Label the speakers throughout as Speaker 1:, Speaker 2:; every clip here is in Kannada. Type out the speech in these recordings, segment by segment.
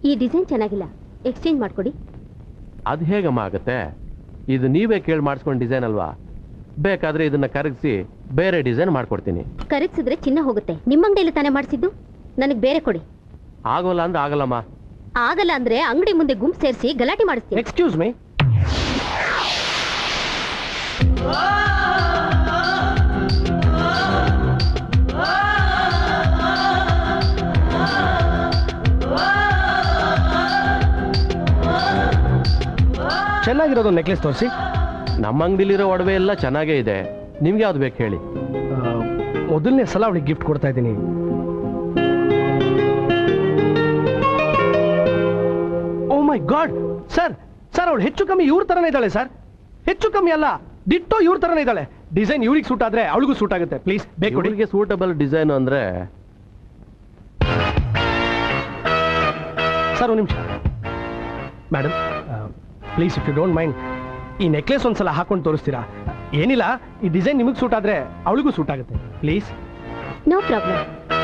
Speaker 1: ಈ ಡಿಸೈನ್ ಚೆನ್ನಾಗಿಲ್ಲ, ಎಕ್ಸ್ಚೇಂಜ್ ಮಾಡ್ಕೊಡಿ.
Speaker 2: ಅದು ಹೇಗಮ್ಮ ಆಗುತ್ತೆ? ಇದು ನೀವೇ ಕೇಳಿ ಮಾಡಿಸ್ಕೊಂಡು ಡಿಸೈನ್ ಅಲ್ವಾ? ಬೇಕಾದ್ರೆ ಇದನ್ನ ಕರಗಿಸಿ ಬೇರೆ ಡಿಸೈನ್ ಮಾಡ್ಕೊಡ್ತೀನಿ.
Speaker 1: ಕರಗಿಸಿದ್ರೆ ಚಿನ್ನ ಹೋಗುತ್ತೆ. ನಿಮ್ಮ ಅಂಗಡಿಯಲ್ಲಿ ತಾನೇ ಮಾಡಿಸಿದ್ದು, ನನಗೆ ಬೇರೆ ಕೊಡಿ.
Speaker 2: ಆಗೋಲ್ಲ ಅಂದ್ರೆ ಆಗಲ್ಲಮ್ಮ.
Speaker 1: ಆಗಲ್ಲ ಅಂದ್ರೆ ಅಂಗಡಿ ಮುಂದೆ ಗುಂಪು ಸೇರಿಸಿ ಗಲಾಟೆ ಮಾಡಿಸ್ತೀನಿ.
Speaker 3: Excuse me. ಚೆನ್ನಾಗಿರೋದು ನೆಕ್ಲೆಸ್ ತೋರಿಸಿ.
Speaker 2: ನಮ್ಮ ಅಂಗಡಿಲಿರೋ ಒಡವೆ ಎಲ್ಲ ಚೆನ್ನಾಗೇ ಇದೆ, ನಿಮ್ಗೆ ಯಾವ್ದು ಬೇಕು ಹೇಳಿ.
Speaker 3: ಮೊದಲನೇ ಸಲ ಅವಳಿಗೆ ಗಿಫ್ಟ್ ಕೊಡ್ತಾ ಇದ್ದೀನಿ. Oh my god sir, sir ಅವಳು ಹೆಚ್ಚು ಕಮ್ಮಿ ಇವ್ರ ತರನೇ ಇದ್ದಾಳೆ ಸರ್. ಹೆಚ್ಚು ಕಮ್ಮಿ ಅಲ್ಲ, ಡಿಟ್ಟೋ ಇವ್ರ ತರನೇ ಇದ್ದಾಳೆ. ಡಿಸೈನ್ ಇವ್ರಿಗೆ ಸೂಟ್ ಆದ್ರೆ ಅವಳಿಗೂ ಸೂಟ್ ಆಗುತ್ತೆ. ಪ್ಲೀಸ್ ಬೇಕು.
Speaker 2: ಇವಳಿಗೆ ಸೂಟಬಲ್ ಡಿಸೈನ್ ಅಂದ್ರೆ
Speaker 3: ಸರ್ ಒಂದು ನಿಮಿಷ madam, please if you don't mind, ಈ ನೆಕ್ಲೆಸ್ ಒಂದ್ಸಲ ಹಾಕೊಂಡು ತೋರಿಸ್ತೀರಾ? ಏನಿಲ್ಲ, ಈ ಡಿಸೈನ್ ನಿಮಗೆ ಸೂಟ್ ಆದ್ರೆ ಅವಳಿಗೂ ಸೂಟ್ ಆಗುತ್ತೆ. Please.
Speaker 1: No problem.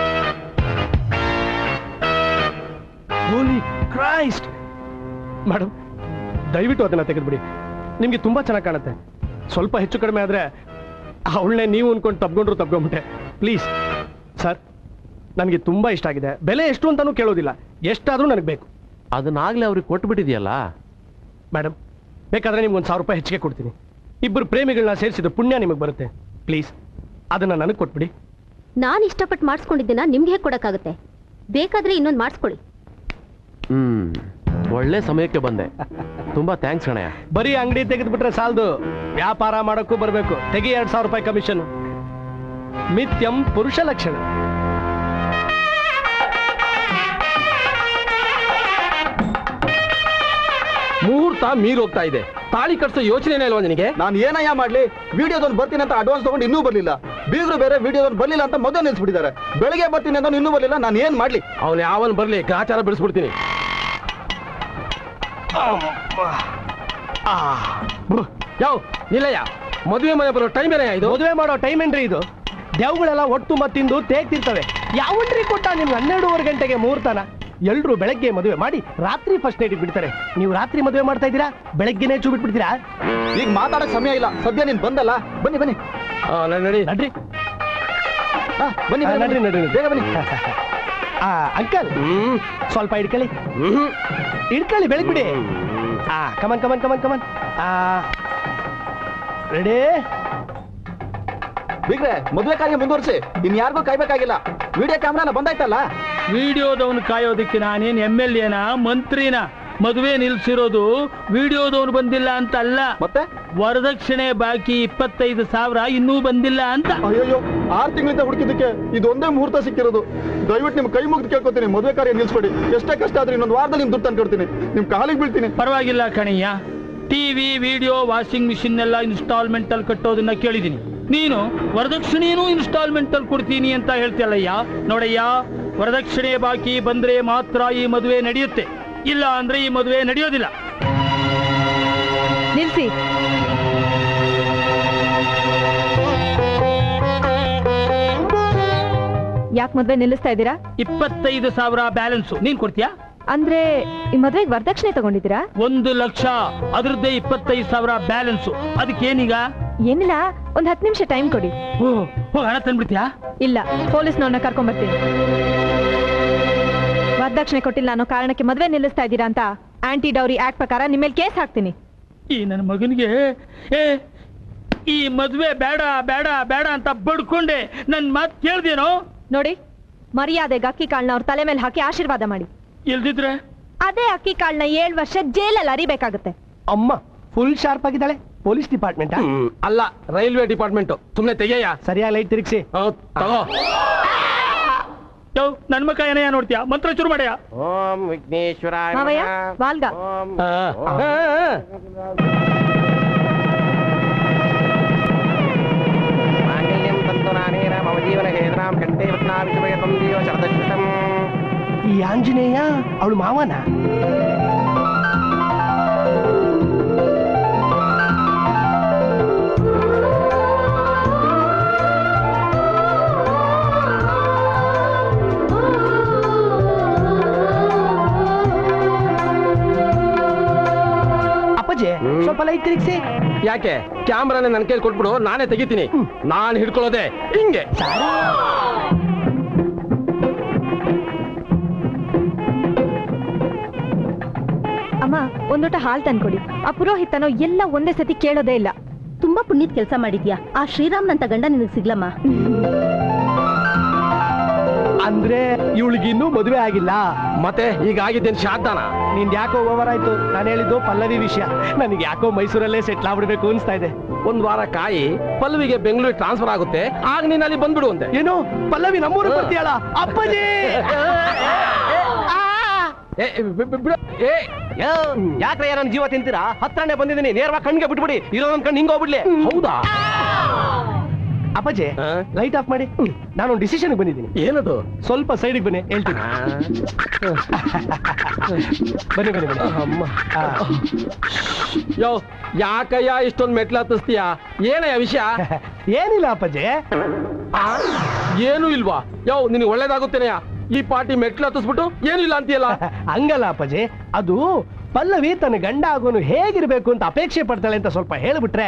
Speaker 3: Holy Christ madam, ದಯವಿಟ್ಟು ಅದನ್ನ ತೆಗೆದುಬಿಡಿ. ನಿಮಗೆ ತುಂಬಾ ಚೆನ್ನಾಗಿ ಕಾಣುತ್ತೆ. ಸ್ವಲ್ಪ ಹೆಚ್ಚು ಕಡಿಮೆ ಆದ್ರೆ ಅವಳನ್ನೇ ನೀವು ಅನ್ಕೊಂಡು ತಪ್ಕೊಂಡ್ಬಿಟ್ಟೆ. ಪ್ಲೀಸ್ ಸರ್, ನನಗೆ ತುಂಬಾ ಇಷ್ಟ ಆಗಿದೆ. ಬೆಲೆ ಎಷ್ಟು ಅಂತಾನೂ ಕೇಳೋದಿಲ್ಲ, ಎಷ್ಟಾದ್ರೂ ನನಗೆ ಬೇಕು.
Speaker 2: ಅದನ್ನಾಗ್ಲೇ ಅವ್ರಿಗೆ ಕೊಟ್ಟು ಬಿಟ್ಟಿದೆಯಲ್ಲ
Speaker 3: ಮೇಡಮ್. ಬೇಕಾದ್ರೆ ನಿಮ್ಗೆ ₹1000 ಹೆಚ್ಚಿಗೆ ಕೊಡ್ತೀನಿ. ಇಬ್ಬರು ಪ್ರೇಮಿಗಳನ್ನ ಸೇರಿಸಿದ ಪುಣ್ಯ ನಿಮಗೆ ಬರುತ್ತೆ. ಪ್ಲೀಸ್ ಅದನ್ನ ನನಗೆ ಕೊಟ್ಬಿಡಿ.
Speaker 1: ನಾನು ಇಷ್ಟಪಟ್ಟು ಮಾಡಿಸ್ಕೊಂಡಿದ್ದೀನ ನಿಮ್ಗೆ ಹೇಗೆ ಕೊಡಕ್ಕಾಗುತ್ತೆ? ಬೇಕಾದ್ರೆ ಇನ್ನೊಂದು ಮಾಡಿಸ್ಕೊಳ್ಳಿ.
Speaker 2: ಒಳ್ಳೆ ಸಮಯಕ್ಕೆ ಬಂದೆ, ತುಂಬಾ ಥ್ಯಾಂಕ್ಸ್ ಕಣಯ್ಯ.
Speaker 3: ಬರೀ ಅಂಗಡಿ ತೆಗೆದುಬಿಟ್ರೆ ಸಾಲದು, ವ್ಯಾಪಾರ ಮಾಡೋಕ್ಕೂ ಬರಬೇಕು. ತೆಗಿ ₹2000 ಕಮಿಷನ್. ಮಿಥ್ಯಂ ಪುರುಷ ಲಕ್ಷಣ.
Speaker 4: ಮುಹೂರ್ತ ಮೀರೋಗ್ತಾ ಇದೆ. ತಾಳಿ ಕಟ್ಸೋ ಯೋಚನೆ ಇಲ್ವಾ ನಿನಗೆ?
Speaker 5: ನಾನು ಏನಯ್ಯ ಮಾಡ್ಲಿ? ವಿಡಿಯೋದೊಂದು ಬರ್ತೀನಿ ಅಂತ ಅಡ್ವಾನ್ಸ್ ತಗೊಂಡು ಇನ್ನೂ ಬರ್ಲಿಲ್ಲ. ಬೀಗರು ಬೇರೆ ವಿಡಿಯೋದೊಂದು ಬರ್ಲಿಲ್ಲ ಅಂತ ಮೊದಲು ನಿಲ್ಸ್ಬಿಟ್ಟಿದ್ದಾರೆ. ಬೆಳಗ್ಗೆ ಬರ್ತೀನಿ ಅಂತ ಇನ್ನೂ ಬರ್ಲಿಲ್ಲ. ನಾನು ಏನ್ ಮಾಡ್ಲಿ?
Speaker 4: ಅವನು ಯಾವನ್ ಬರ್ಲಿ, ಗ್ರಾಚಾರ ಬಿಡಿಸ್ಬಿಡ್ತೀನಿ. ಯಾವ ನಿಲ್ಲಯ್ಯ, ಮದುವೆ ಮನೆ ಬರೋ ಟೈಮ್ ಏನೇ ಇದು?
Speaker 3: ಮದುವೆ ಮಾಡೋ ಟೈಮ್ ಏನ್ರಿ ಇದು? ದೇವುಗಳೆಲ್ಲ ಒಟ್ಟು ಮತ್ತಿಂದು ತೇಗ್ತಿರ್ತವೆ. ಯಾವನ್ರಿ ಕೊಟ್ಟ ನಿಮ್ಗೆ 12:30 ಗಂಟೆಗೆ ಮುಹೂರ್ತನ? ಎಲ್ರು ಬೆಳಗ್ಗೆ ಮದುವೆ ಮಾಡಿ ರಾತ್ರಿ ಫಸ್ಟ್ ನೈಟ್ ಬಿಡ್ತಾರೆ. ನೀವು ರಾತ್ರಿ ಮದುವೆ ಮಾಡ್ತಾ ಇದ್ದೀರಾ, ಬೆಳಗ್ಗೆನೇ ಚೂ ಬಿಟ್ಬಿಡ್ತೀರಾ?
Speaker 5: ಈಗ ಮಾತಾಡಕ್ ಸಮಯ ಇಲ್ಲ. ಸದ್ಯ ನೀನ್ ಬಂದಲ್ಲ, ಬನ್ನಿ ಬನ್ನಿ.
Speaker 3: ನಡ್ರಿ ನಡ್ರಿ
Speaker 5: ಬನ್ನಿ
Speaker 3: ನಡ್ರಿ ನಡ್ರಿ
Speaker 5: ಬೇಗ ಬನ್ನಿ.
Speaker 3: ಅಂಕಲ್ ಸ್ವಲ್ಪ ಇಡ್ಕೊಳ್ಳಿ, ಇಡ್ಕೊಳ್ಳಿ, ಬೆಳಗ್ಬಿಡಿ. Come on come on come on come on. Ready?
Speaker 5: ಬಿಗ್ರೆ, ಮದುವೆ ಕಾರ್ಯ ಮುಂದುವರಿಸಿ. ಇನ್ ಯಾರಿಗೂ ಕಾಯ್ಬೇಕಾಗಿಲ್ಲ. ವಿಡಿಯೋ ಕ್ಯಾಮ್ರಾನ ಬಂದಾಯ್ತಲ್ಲ.
Speaker 6: ವಿಡಿಯೋದವನು ಕಾಯೋದಿಕ್ಕೆ ನಾನೇನ್ MLA ಮಂತ್ರಿನ? ಮದುವೆ ನಿಲ್ಸಿರೋದು ವಿಡಿಯೋದವನು ಬಂದಿಲ್ಲ ಅಂತ ಅಲ್ಲ,
Speaker 5: ಮತ್ತೆ
Speaker 6: ವರದಕ್ಷಿಣೆ ಬಾಕಿ 25,000 ಇನ್ನೂ ಬಂದಿಲ್ಲ ಅಂತ.
Speaker 5: ಅಯ್ಯೋ, 6 ತಿಂಗಳಿಂದ ಹುಡುಕಿದ್ದಕ್ಕೆ ಇದೊಂದೇ ಮುಹೂರ್ತ ಸಿಕ್ಕಿರೋದು. ದಯವಿಟ್ಟು ನಿಮ್ ಕೈ ಮುಗ್ದು ಕೇಳ್ಕೊತೀನಿ, ಮದುವೆ ಕಾರ್ಯ ನಿಲ್ಸ್ಕೊಡಿ. ಎಷ್ಟೇ ಕಷ್ಟ ಆದ್ರೆ ಇನ್ನೊಂದು ವಾರದಲ್ಲಿ ನಿಮ್ ದುಡ್ಡು ತಂದ್ಕೊಡ್ತೀನಿ. ನಿಮ್ ಕಾಲಿಗೆ ಬೀಳ್ತೀನಿ.
Speaker 6: ಪರವಾಗಿಲ್ಲ ಕಣಯ್ಯ, ಟಿವಿ, ವಿಡಿಯೋ, ವಾಷಿಂಗ್ ಮಿಷಿನ್ ಎಲ್ಲ ಇನ್ಸ್ಟಾಲ್ಮೆಂಟ್ ಅಲ್ಲಿ ಕಟ್ಟೋದನ್ನ ಕೇಳಿದೀನಿ. ನೀನು ವರದಕ್ಷಿಣೆನೂ ಇನ್ಸ್ಟಾಲ್ಮೆಂಟ್ ಅಲ್ಲಿ ಕೊಡ್ತೀನಿ ಅಂತ ಹೇಳ್ತಿಯಲ್ಲಯ್ಯ. ನೋಡಯ್ಯ, ವರದಕ್ಷಿಣೆ ಬಾಕಿ ಬಂದ್ರೆ ಮಾತ್ರ ಈ ಮದುವೆ ನಡೆಯುತ್ತೆ, ಇಲ್ಲ ಅಂದ್ರೆ ಈ ಮದುವೆ ನಡೆಯೋದಿಲ್ಲ.
Speaker 7: ನಿಲ್ಸಿ. ಯಾಕೆ ಮದ್ವೆ ನಿಲ್ಲಿಸ್ತಾ ಇದ್ದೀರಾ?
Speaker 6: 25,000 ಬ್ಯಾಲೆನ್ಸ್ ನೀನ್ ಕೊಡ್ತೀಯಾ?
Speaker 7: ಅಂದ್ರೆ ಈ ಮದ್ವೆಗೆ ವರದಕ್ಷಿಣೆ ತಗೊಂಡಿದ್ದೀರಾ?
Speaker 6: 1 ಲಕ್ಷ, ಅದ್ರದ್ದೇ 25,000 ಬ್ಯಾಲೆನ್ಸ್. ಅದಕ್ಕೇನೀಗ?
Speaker 7: ಏನಿಲ್ಲ, ಒಂದ್ 10 ನಿಮಿಷ ಟೈಮ್ ಕೊಡಿ.
Speaker 6: ಹಣ ತಂದ್ಬಿಡ್ತೀಯಾ?
Speaker 7: ಇಲ್ಲ, ಪೊಲೀಸ್ನವ್ರನ್ನ ಕರ್ಕೊಂಡ್ ಬರ್ತೀನಿ. ವರದಕ್ಷಿಣೆ ಕೊಟ್ಟಿಲ್ಲ ಅನ್ನೋ ಕಾರಣಕ್ಕೆ ಮದ್ವೆ ನಿಲ್ಲಿಸ್ತಾ ಇದ್ದೀರಾ ಅಂತ ಆಂಟಿ ಡೌರಿ ಆಕ್ಟ್ ಪ್ರಕಾರ ನಿಮ್ಮ ಮೇಲೆ ಕೇಸ್ ಹಾಕ್ತೀನಿ.
Speaker 6: ಈ ನನ್ನ ಮಗನಿಗೆ ಈ ಮದ್ವೆ ಬೇಡ ಬೇಡ ಬೇಡ ಅಂತ ಬಡ್ಕೊಂಡೆ ನನ್ ಮಾತು ಕೇಳ್ದೇನೋ?
Speaker 7: ನೋಡಿ, ಮರ್ಯಾದೆಗೆ ಅಕ್ಕಿ ಕಾಳನ್ನ ಅವ್ರ ತಲೆ ಮೇಲೆ ಹಾಕಿ ಆಶೀರ್ವಾದ ಮಾಡಿ.
Speaker 6: ಇಲ್ದಿದ್ರೆ
Speaker 7: ಅದೇ ಅಕ್ಕಿ ಕಾಳನ್ನ 7 ವರ್ಷ ಜೈಲಲ್ಲಿ ಅರಿಬೇಕಾಗುತ್ತೆ.
Speaker 3: ಅಮ್ಮ ಫುಲ್ ಶಾರ್ಪ್ ಆಗಿದ್ದಾಳೆ. ಪೊಲೀಸ್ ಡಿಪಾರ್ಟ್ಮೆಂಟ್
Speaker 4: ಅಲ್ಲ, ರೈಲ್ವೆ ಡಿಪಾರ್ಟ್ಮೆಂಟ್. ಸುಮ್ನೆ ತೆಗೆಯ.
Speaker 3: ಸರಿಯಾಗಿ ಲೈಟ್ ತಿರುಗಿಸಿ.
Speaker 4: ತಗೋ.
Speaker 6: ನನ್ ಮಕ್ಕ ಏನಯ್ಯ ನೋಡ್ತೀಯಾ? ಮಂತ್ರ ಶುರು ಮಾಡ್ಯಾ?
Speaker 2: ಓಂ ವಿಘ್ನೇಶ್ವರಾಯ
Speaker 7: ಮಾವಯ್ಯ, ವಾಲ್ಗ.
Speaker 3: ಈ ಆಂಜನೇಯ ಅವಳು ಮಾವನ? ಸ್ವಲ್ಪ ಲೈಟ್ ತಿರುಗಿಸಿ.
Speaker 4: ಯಾಕೆ ಕ್ಯಾಮ್ರಾನೇ ನನ್ನ ಕೈಲಿ ಕೊಟ್ಬಿಡು, ನಾನೇ ತೆಗಿತೀನಿ. ನಾನು ಹಿಡ್ಕೊಳ್ಳೋದೆ ಹಿಂಗೆ.
Speaker 7: ಅಮ್ಮ ಒಂದೋಟ ಹಾಲ್ ತಂದ್ಕೊಡಿ. ಆ ಪುರೋಹಿತನೋ ಎಲ್ಲ ಒಂದೇ ಸತಿ ಕೇಳೋದೇ ಇಲ್ಲ.
Speaker 1: ತುಂಬಾ ಪುಣ್ಯದ ಕೆಲಸ ಮಾಡಿದ್ಯಾ. ಆ ಶ್ರೀರಾಮ್ನಂತ ಗಂಡ ನಿನಗೆ ಸಿಗ್ಲಮ್ಮ.
Speaker 3: ಅಂದ್ರೆ ಇವಳಿಗಿನ್ನೂ ಮದುವೆ ಆಗಿಲ್ಲ.
Speaker 4: ಮತ್ತೆ ಈಗ ಆಗಿದ್ದೇನು ಶಾದ್ದಾನ?
Speaker 3: ನಿಂದ್ ಯಾಕೋ ಓವರ್ ಆಯ್ತು. ನಾನು ಹೇಳಿದ್ದು ಪಲ್ಲವಿ ವಿಷಯ. ನನಗೆ ಯಾಕೋ ಮೈಸೂರಲ್ಲೇ ಸೆಟ್ಲ್ ಆಗ್ಬಿಡ್ಬೇಕು ಅನ್ಸ್ತಾ ಇದೆ.
Speaker 4: ಒಂದ್ ವಾರ ಕಾಯಿ, ಪಲ್ಲವಿಗೆ ಬೆಂಗಳೂರಿಗೆ ಟ್ರಾನ್ಸ್ಫರ್ ಆಗುತ್ತೆ, ಆಗ ನೀನ್ ಅಲ್ಲಿ ಬಂದ್ಬಿಡು ಅಂತೆ.
Speaker 3: ಏನು ಪಲ್ಲವಿ ನಮ್ಮೂರಿಗೆ ಬರ್ತೀಯಳ? ಅಪ್ಪಾಜಿ
Speaker 4: ಯಾಕ್ರೆ ನನ್ನ ಜೀವ ತಿಂತೀರಾ? ಹತ್ರನೇ ಬಂದಿದ್ದೀನಿ, ನೇರವಾಗಿ ಕಣ್ಣಿಗೆ ಬಿಟ್ಬಿಡಿ. ಇರೋದೊಂದ್ ಕಣ್ಣು ಹಿಂಗ ಹೋಗ್ಬಿಡ್ಲಿ. ಹೌದಾ
Speaker 3: ಅಪ್ಪಾಜಿ ಲೈಟ್ ಆಫ್ ಮಾಡಿ. ನಾನೊಂದು ಡಿಸಿಷನ್ ಬಂದಿದ್ದೀನಿ.
Speaker 4: ಏನದು?
Speaker 3: ಸ್ವಲ್ಪ ಸೈಡಿಗೆ ಬನ್ನಿ, ಹೇಳ್ತೀನಿ. ಬನ್ನಿ ಬನ್ನಿ ಬನ್ನಿ.
Speaker 4: ಅಮ್ಮ ಯೋ, ಯಾಕಯ್ಯ ಇಷ್ಟೊಂದು ಮೆಟ್ಲು ಹತ್ತಿಸ್ತೀಯಾ? ಏನಯ್ಯ ವಿಷಯ?
Speaker 3: ಏನಿಲ್ಲ ಅಪ್ಪಾಜಿ.
Speaker 4: ಏನು ಇಲ್ವಾ? ಯೋ, ನಿನಗೆ ಒಳ್ಳೇದಾಗುತ್ತೇನೆಯಾ? ಈ ಪಾರ್ಟಿ ಮೆಟ್ಲು ಹತ್ತಿಸ್ಬಿಟ್ಟು ಏನು ಇಲ್ಲ ಅಂತೀಯಲ್ಲ?
Speaker 3: ಹಂಗಲ್ಲ ಅಪ್ಪಾಜಿ, ಅದು ಪಲ್ಲವಿ ತನ್ನ ಗಂಡ ಆಗೋನು ಹೇಗಿರ್ಬೇಕು ಅಂತ ಅಪೇಕ್ಷೆ ಪಡ್ತಾಳೆ ಅಂತ ಸ್ವಲ್ಪ ಹೇಳ್ಬಿಟ್ರೆ.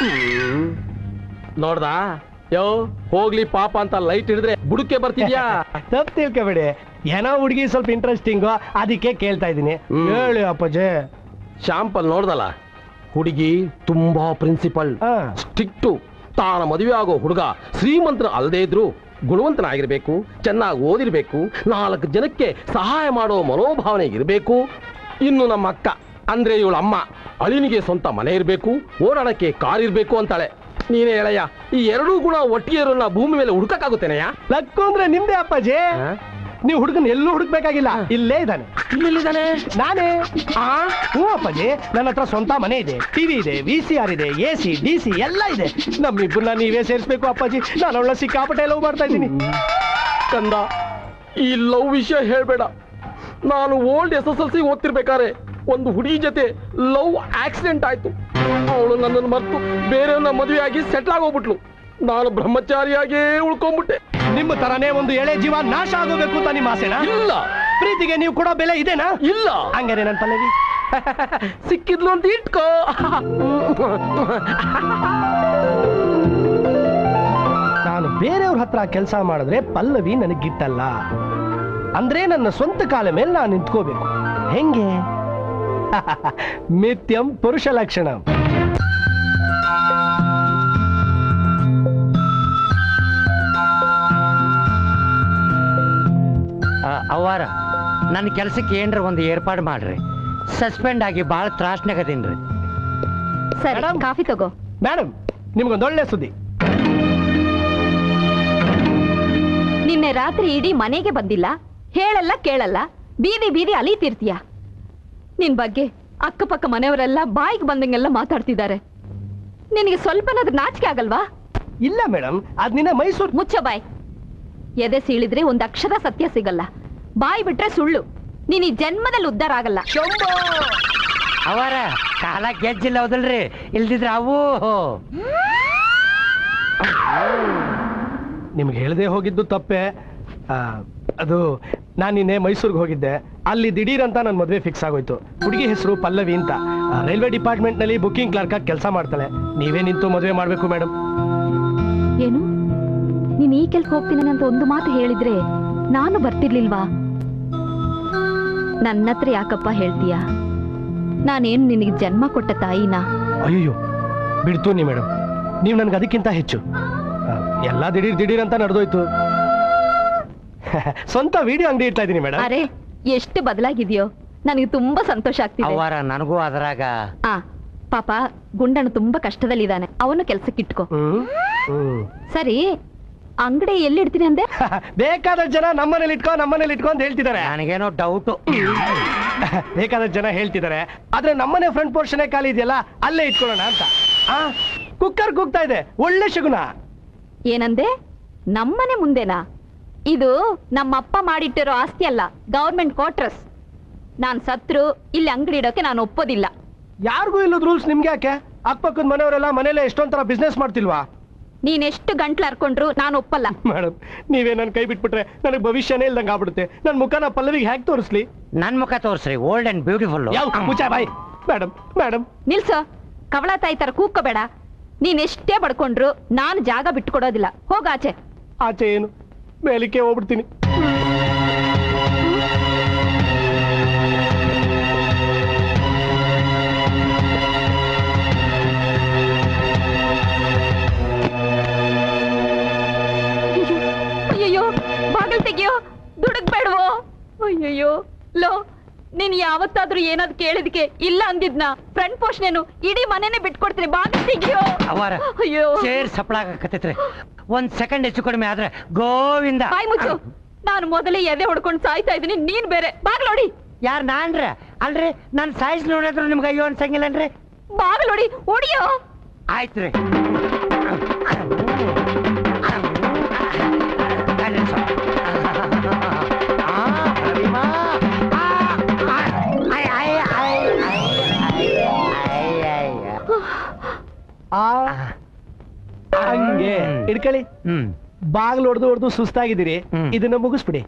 Speaker 4: ನೋಡ್ದಾ? ಯೋ, ಹೋಗ್ಲಿ ಪಾಪ ಅಂತ ಲೈಟ್ ಹಿಡಿದ್ರೆ ಬುಡಕ್ಕೆ ಬರ್ತಿದ್ಯಾ?
Speaker 3: ತಪ್ಪು ತಿಳ್ಕೊಬೇಡಿ, ಏನೋ ಹುಡುಗಿ ಸ್ವಲ್ಪ ಇಂಟ್ರೆಸ್ಟಿಂಗು, ಅದಕ್ಕೆ ಕೇಳ್ತಾ ಇದ್ದೀನಿ. ಹೇಳಿ ಅಪ್ಪಾಜಿ.
Speaker 4: ಶಾಂಪಲ್ ನೋಡ್ದಲ್ಲ, ಹುಡುಗಿ ತುಂಬಾ ಪ್ರಿನ್ಸಿಪಲ್, ಸ್ಟ್ರಿಕ್ಟು. ತಾನ ಮದುವೆ ಆಗೋ ಹುಡುಗ ಶ್ರೀಮಂತರ ಅಲ್ಲದೇ ಇದ್ರು ಗುಣವಂತನಾಗಿರ್ಬೇಕು, ಚೆನ್ನಾಗಿ ಓದಿರ್ಬೇಕು, 4 ಜನಕ್ಕೆ ಸಹಾಯ ಮಾಡೋ ಮನೋಭಾವನೆ ಇರಬೇಕು. ಇನ್ನು ನಮ್ಮ ಅಕ್ಕ ಅಂದ್ರೆ ಇವಳ ಅಮ್ಮ, ಅಳಿನಿಗೆ ಸ್ವಂತ ಮನೆ ಇರಬೇಕು, ಓಡಾಡಕ್ಕೆ ಕಾರ್ ಇರಬೇಕು ಅಂತಾಳೆ. ನೀನೇ ಹೇಳಯ್ಯ, ಈ ಎರಡೂ ಗುಣ ಒಟ್ಟಿಗೆ ಇರೋನ್ನ ಭೂಮಿ ಮೇಲೆ ಹುಡುಕಕ್ಕಾಗುತ್ತೇನೆಯಾ?
Speaker 3: ಲಕ್ಕು ಅಂದ್ರೆ ನಿಮ್ದೇ ಅಪ್ಪಾಜಿ. ನೀವು ಹುಡುಗನ್ ಎಲ್ಲೂ ಹುಡುಕ್ಬೇಕಾಗಿಲ್ಲ, ಇಲ್ಲೇ ಇದ್ದಾನೆ.
Speaker 4: ಇಲ್ಲಿದ್ದಾನೆ?
Speaker 3: ನಾನೇ. ಹ್ಞೂ ಅಪ್ಪಾಜಿ, ನನ್ನ ಹತ್ರ ಸ್ವಂತ ಮನೆ ಇದೆ, ಟಿವಿ ಇದೆ, VCR ಇದೆ, AC DC ಎಲ್ಲ ಇದೆ. ನಮ್ಮಿಬ್ಬರನ್ನ ನೀವೇ ಸೇರಿಸ್ಬೇಕು ಅಪ್ಪಾಜಿ. ನಾನು ಅವಳ ಸಿಕ್ಕಾಪಟ್ಟೆ ಲವ್ ಮಾಡ್ತಾ ಇದ್ದೀನಿ.
Speaker 4: ಕಂದ, ಈ ಲವ್ ವಿಷಯ ಹೇಳ್ಬೇಡ. ನಾನು ಓಲ್ಡ್ SSLC ಓದ್ತಿರ್ಬೇಕಾದ್ರೆ ಒಂದು ಹುಡುಗಿ ಜೊತೆ ಲವ್ ಆಕ್ಸಿಡೆಂಟ್ ಆಯ್ತು. ಅವಳು ನನ್ನನ್ನು ಮರೆತು ಬೇರೆಯವ್ರನ್ನ ಮದುವೆ ಆಗಿ ಸೆಟ್ಲ್ ಆಗೋಗ್ಬಿಟ್ಲು. ನಾನು ಬ್ರಹ್ಮಚಾರಿಯಾಗೇ ಉಳ್ಕೊಂಡ್ಬಿಟ್ಟೆ.
Speaker 3: ನಿಮ್ಮ ತರನೇ ಒಂದು ಎಳೆ ಜೀವ ನಾಶ ಆಗೋಬೇಕು ಅಂತ ನಿಮ್ಮ ಆಸೆನಾ?
Speaker 4: ಇಲ್ಲ.
Speaker 3: ಪ್ರೀತಿಗೆ ನೀವು ಕೊಡೋ ಬೆಲೆ ಇದೆನಾ?
Speaker 4: ಇಲ್ಲ.
Speaker 3: ಹಂಗಾರೆ ನನ್ನ ಪಲ್ಲವಿ
Speaker 4: ಸಿಕ್ಕಿದ್ಲು ಅಂತ ಇಟ್ಕೋ.
Speaker 3: ನಾನು ಬೇರೆಯವ್ರ ಹತ್ರ ಕೆಲಸ ಮಾಡಿದ್ರೆ ಪಲ್ಲವಿ ನನಗಿಟ್ಟಲ್ಲ. ಅಂದ್ರೆ ನನ್ನ ಸ್ವಂತ ಕಾಲ ಮೇಲೆ ನಾನು ನಿಂತ್ಕೋಬೇಕು. ಹೆಂಗೆ? ಮಿಥ್ಯಂ ಪುರುಷ ಲಕ್ಷಣ.
Speaker 8: ಅವ್ವಾರ, ನನ್ನ ಕೆಲಸಕ್ಕೆ ಏನ್ರ ಒಂದು ಏರ್ಪಾಡು ಮಾಡ್ರಿ. ಸಸ್ಪೆಂಡ್ ಆಗಿ ಭಾಳ ತ್ರಾಸ್ನಾಗದೀನ್ರಿ.
Speaker 1: ಸರಿ, ಕಾಫಿ ತಗೋ.
Speaker 3: ಮೇಡಮ್, ನಿಮ್ಗೊಂದೊಳ್ಳೆ ಸುದ್ದಿ.
Speaker 9: ನಿನ್ನೆ ರಾತ್ರಿ ಇಡೀ ಮನೆಗೆ ಬಂದಿಲ್ಲ, ಹೇಳಲ್ಲ ಕೇಳಲ್ಲ, ಬೀದಿ ಬೀದಿ ಅಲೀತಿರ್ತೀಯ. ನಿನ್ ಬಗ್ಗೆ ಅಕ್ಕಪಕ್ಕ ಮನೆಯವರೆಲ್ಲ ಬಾಯಿಗೆ ಬಂದಂಗೆಲ್ಲ ಮಾತಾಡ್ತಿದ್ದಾರೆ. ನಿನಗೆ ಸ್ವಲ್ಪನಾದ್ರೂ ನಾಚಿಕೆ ಆಗಲ್ವಾ?
Speaker 3: ಇಲ್ಲ ಮೇಡಮ್, ಅದ್ ನಿನ್ನೆ ಮೈಸೂರು.
Speaker 9: ಮುಚ್ಚ ಬಾಯ್. ಎದೆ ಸೀಳಿದ್ರೆ ಒಂದ್ ಅಕ್ಷರ ಸತ್ಯ ಸಿಗಲ್ಲ. ಬಾಯಿ ಬಿಟ್ರೆ ಸುಳ್ಳು. ನೀನ್ ಈ ಜನ್ಮದಲ್ಲಿ ಉದ್ಧಾರ ಆಗಲ್ಲ.
Speaker 8: ಅವರ ಕಾಲ ಗೆಜ್ಜಿಲ್ಲ ಹೌದಲ್ರಿ, ಇಲ್ದಿದ್ರೆ ಅವು.
Speaker 3: ನಿಮ್ಗೆ ಹೇಳದೆ ಹೋಗಿದ್ದು ತಪ್ಪೆ. ಅದು ನಾನು ನಿನ್ನೆ ಮೈಸೂರಿಗೆ ಹೋಗಿದ್ದೆ. ಅಲ್ಲಿ ದಿಢೀರ್ ಅಂತ ನನ್ನ ಮದುವೆ ಫಿಕ್ಸ್ ಆಗೋಯ್ತು. ಹುಡುಗಿ ಹೆಸರು ಪಲ್ಲವಿ ಅಂತ. ರೈಲ್ವೆ ಡಿಪಾರ್ಟ್ಮೆಂಟ್ ನಲ್ಲಿ ಬುಕಿಂಗ್ ಕ್ಲರ್ಕ್ ಆಗಿ ಕೆಲಸ ಮಾಡ್ತಾಳೆ. ನೀವೇ ನಿಂತು ಮದುವೆ ಮಾಡ್ಬೇಕು ಮೇಡಮ್.
Speaker 9: ಏನು, ನೀನ್ ಈ ಕೆಲ್ಸ ಹೋಗ್ತೀನಿ ಅಂತ ಒಂದು ಮಾತು ಹೇಳಿದ್ರೆ ನಾನು ಬರ್ತಿರ್ಲಿಲ್ವಾ? ನನ್ನ ಹತ್ರ ಯಾಕಪ್ಪ ಹೇಳ್ತೀಯ? ನಾನೇನು ನಿನಗೆ ಜನ್ಮ ಕೊಟ್ಟ ತಾಯಿನಾ?
Speaker 3: ಅಯ್ಯೋ ಬಿಡ್ತು ನೀ ಮೇಡಮ್, ನೀವು ನನ್ಗೆ ಅದಕ್ಕಿಂತ ಹೆಚ್ಚು. ಎಲ್ಲ ದಿಢೀರ್ ಅಂತ ನಡೆದೋಯ್ತು. ಸ್ವಂತ ವಿಡಿಯೋ ಅಂಗಡಿ ಇಡ್ತಾ ಇದೀನಿ ಮೇಡಮ್.
Speaker 9: ಅರೆ, ಎಷ್ಟು ಬದಲಾಗಿದೆಯೋ, ನನಗೆ ತುಂಬಾ ಸಂತೋಷ ಆಗ್ತಿದೆ.
Speaker 8: ಅವರ ನನಗೂ ಅದರಾಗ.
Speaker 9: ಪಾಪ ಗುಂಡಣ್ಣ ತುಂಬಾ ಕಷ್ಟದಲ್ಲಿದ್ದಾನೆ, ಅವನು ಕೆಲ್ಸಕ್ಕೆ ಇಟ್ಕೋ. ಸರಿ, ಅಂಗಡಿ ಎಲ್ಲಿ ಇಡ್ತೀನಿ ಅಂದೆ?
Speaker 3: ಬೇಕಾದ ಜನ ನಮ್ಮನೇಲಿ ಇಟ್ಕೊ ಅಂತ ಹೇಳ್ತಿದ್ದಾರೆ.
Speaker 8: ನನಗೇನೋ ಡೌಟು.
Speaker 3: ಬೇಕಾದ ಜನ ಹೇಳ್ತಿದ್ದಾರೆ, ಆದ್ರೆ ನಮ್ಮನೆ ಫ್ರಂಟ್ ಪೋರ್ಷನ್ ಖಾಲಿ ಇದೆಯಲ್ಲ, ಅಲ್ಲೇ ಇಟ್ಕೊಳ್ಳೋಣ ಅಂತ. ಕುಕ್ಕರ್ ಕೂಗ್ತಾ ಇದೆ, ಒಳ್ಳೆ ಶಗುನ.
Speaker 9: ಏನಂದೆ? ನಮ್ಮನೆ ಮುಂದೆನಾ? ಇದು ನಮ್ಮಪ್ಪ ಮಾಡಿಟ್ಟಿರೋ ಆಸ್ತಿ ಅಲ್ಲ, ಗವರ್ಮೆಂಟ್ ಕ್ವಾರ್ಟರ್ಸ್. ನಾನ್ ಸತ್ರು ಇಲ್ಲಿ ಅಂಗಡಿ ಇಡೋಕೆ ನಾನು ಒಪ್ಪೋದಿಲ್ಲ.
Speaker 3: ಯಾರಿಗೂ ಇಲ್ಲದ ರೂಲ್ಸ್ ನಿಮ್ಗೆ ಯಾಕೆ? ಅಕ್ಕಪಕ್ಕದ ಮನೆಯವರೆಲ್ಲ ಮನೇಲೆ ಎಷ್ಟೊಂಥರ ಬಿಸ್ನೆಸ್ ಮಾಡ್ತಿಲ್ವಾ?
Speaker 9: ನೀನೆಷ್ಟು ಗಂಟ್ಲು ಹರ್ಕೊಂಡ್ರು ನಾನು ಒಪ್ಪಲ್ಲ.
Speaker 3: ಮೇಡಮ್, ನೀವೇ ನನ್ ಕೈ ಬಿಟ್ಬಿಟ್ರೆ ನನಗೆ ಭವಿಷ್ಯನೇ ಇಲ್ದಂಗೆ ಆಗ್ಬಿಡುತ್ತೆ. ನನ್ ಮುಖನ ಪಲ್ಲವಿಗೆ ಹ್ಯಾಕ್ ತೋರಿಸ್ಲಿ?
Speaker 8: ನನ್ ಮುಖ ತೋರಿಸ್ರಿ, old and beautiful.
Speaker 3: Bye madam.
Speaker 9: ನಿಲ್ಸೋ, ಕವಳ ತಾಯಿ ತರ ಕೂಗ್ಕೋಬೇಡ. ನೀನ್ ಎಷ್ಟೇ ಬಡ್ಕೊಂಡ್ರು ನಾನು ಜಾಗ ಬಿಟ್ಕೊಡೋದಿಲ್ಲ. ಹೋಗಾಚೆ.
Speaker 3: ಆಚೆ ಏನು, ಮೇಲಿಕ್ಕೆ ಹೋಗ್ಬಿಡ್ತೀನಿ.
Speaker 9: ಅಯ್ಯಯ್ಯೋ, ಬಾಗಿಲು ತೆಗಿಯೋ, ದುಡುಕ್ಬೇಡವೋ. ಅಯ್ಯಯ್ಯೋ, ಲೋ, ನೀನ್ ಯಾವತ್ತಾದ್ರೂ ಏನಾದ್ರು ಕೇಳಿದ್ಕೆ ಇಲ್ಲ ಅಂದಿದ್ನ ಫ್ರಂಟ್ ಪೋಷಣೆನು ಇಡೀ ಮನೆನೇ ಬಿಟ್ಕೊಡ್ತೀನಿ. ಬಾಗಿಲು ತೆಗಿಯೋ.
Speaker 8: ಅವಾರ
Speaker 9: ಅಯ್ಯೋ,
Speaker 8: ಸೇರ್ ಸಪ್ಪಳಾಗಕತ್ತೈತ್ರಿ. ಒಂದ್ ಸೆಕೆಂಡ್ ಹೆಚ್ಚು ಕಡಿಮೆ ಆದ್ರೆ ಗೋವಿಂದ.
Speaker 9: ಬಾಯ್ ಮುಚ್ಚು. ನಾನು ಮೊದಲೇ ಎದೆ ಹೊಡ್ಕೊಂಡು ಸಾಯ್ತಾ ಇದ್ದೀನಿ, ನೀನ್ ಬೇರೆ. ಬಾಗ್ಲೋಡಿ.
Speaker 8: ಯಾರ್ ನಾನ್ರ? ಅಲ್ರಿ ನನ್ ಸೈಜ್ ನೋಡಿದ್ರು ನಿಮ್ಗೆ ಅಯ್ಯೋ ಅನ್ಸಂಗಿಲ್ಲನ್ರಿ?
Speaker 9: ಬಾಗ್ಲೋಡಿ, ಹೊಡಿಯೋ.
Speaker 8: ಆಯ್ತ್ರಿ.
Speaker 3: ಹಂಗೆ ಇಡ್ಕೊಳ್ಳಿ. ಬಾಗ್ಲು ಹೊಡೆದು ಸುಸ್ತಾಗಿದ್ದೀರಿ, ಇದನ್ನ ಮುಗಿಸ್ಬಿಡಿ.